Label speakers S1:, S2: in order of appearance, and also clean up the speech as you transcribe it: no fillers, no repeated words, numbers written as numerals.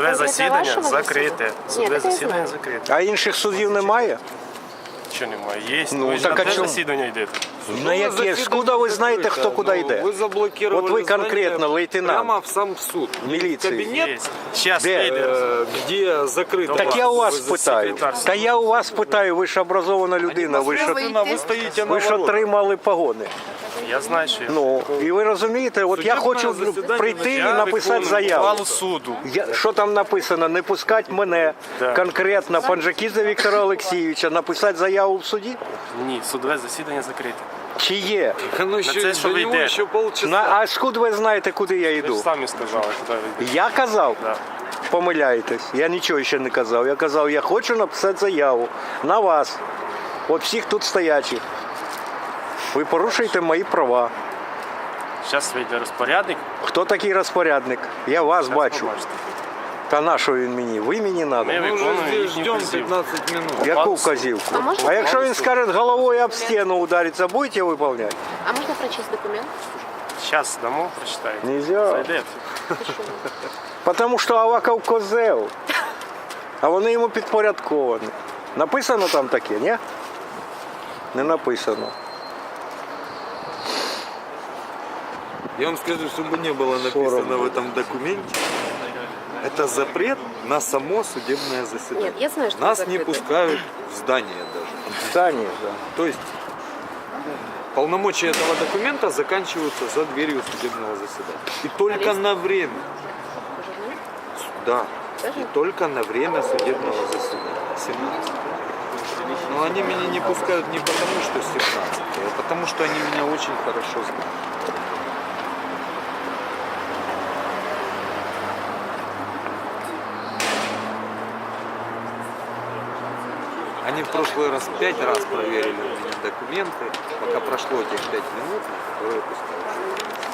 S1: Судове засідання закрите. Судове засідання закрите.
S2: А інших судів немає?
S1: Що немає? Є.
S2: Ну,
S1: Ви ж
S2: так
S1: на
S2: а
S1: те
S2: чому?
S1: засідання йдете.
S2: На яке? Скуда ви знаєте, хто куди йде?
S3: Вы заблокировали
S2: Вот вы конкретно,
S3: здание
S2: лейтенант.
S3: прямо в сам суд.
S2: Міліції.
S3: Кабинет,
S1: Є. Зараз
S2: Де?
S1: вийде.
S3: где закрыто.
S2: Так я у вас
S3: Вы
S2: питаю.
S1: секретар.
S2: Та я у вас питаю, ви ж образована людина, ви ж
S3: Вы стоите на
S2: ви ж
S3: воротах.
S2: отримали погони.
S1: Я знаю, що я.
S2: Ну, і ви розумієте, от я хочу
S3: засідання
S2: прийти і
S1: Я
S2: написати
S1: виконую
S2: заяву.
S1: ухвалу суду.
S2: Що там написано? Не пускать мене,
S1: Да.
S2: конкретно Панджакідзе Віктора Олексійовича, написати заяву в суді?
S1: Ні, судове засідання закрите.
S2: Чи є?
S3: Ну, еще,
S1: це, що
S3: до
S1: ви
S3: него
S1: йдете.
S3: еще полчаса.
S2: А скуд ви знаєте, куди я
S1: Ви ж
S2: йду?
S1: самі сказали, куди ви йдете.
S2: Я казав?
S1: Да.
S2: Помиляєтесь. Я нічого ще не казав. Я казав, я хочу написати заяву на вас. От всіх тут стоячих. Ви порушуєте мої права.
S1: Зараз вийде розпорядник.
S2: Хто такий розпорядник? Я вас бачу.
S1: Побачите.
S2: Та на що він мені? Ви мені треба.
S1: Ми
S3: Мы уже
S1: виконуємо
S3: здесь
S1: їхню
S3: ждем
S1: вказівку.
S3: 15 минут.
S2: Яку вказівку?
S4: А можна-
S2: А якщо він скаже головою об стіну удариться, будете виконувати?
S4: А можно прочесть документ?
S1: Зараз дамо, прочитаєте.
S2: Нельзя.
S1: Зайдете.
S2: Тому що Аваков козел. А вони йому підпорядковані. Написано там таке, ні? Не написано.
S3: Я вам скажу, чтобы не было написано в этом документе, это запрет на само судебное заседание.
S4: Нет, я знаю, что
S3: Нас
S4: это
S3: не
S4: закрыто.
S3: пускают в здание даже.
S2: Здання, да.
S3: То есть полномочия этого документа заканчиваются за дверью судебного заседания. И только на время. Да. И только на время судебного заседания. 17. Но они меня не пускают не потому, что 17, а потому, что они меня очень хорошо знают. Они в прошлый раз 5 раз проверили у меня документы, пока прошло этих 5 минут, которые пускают.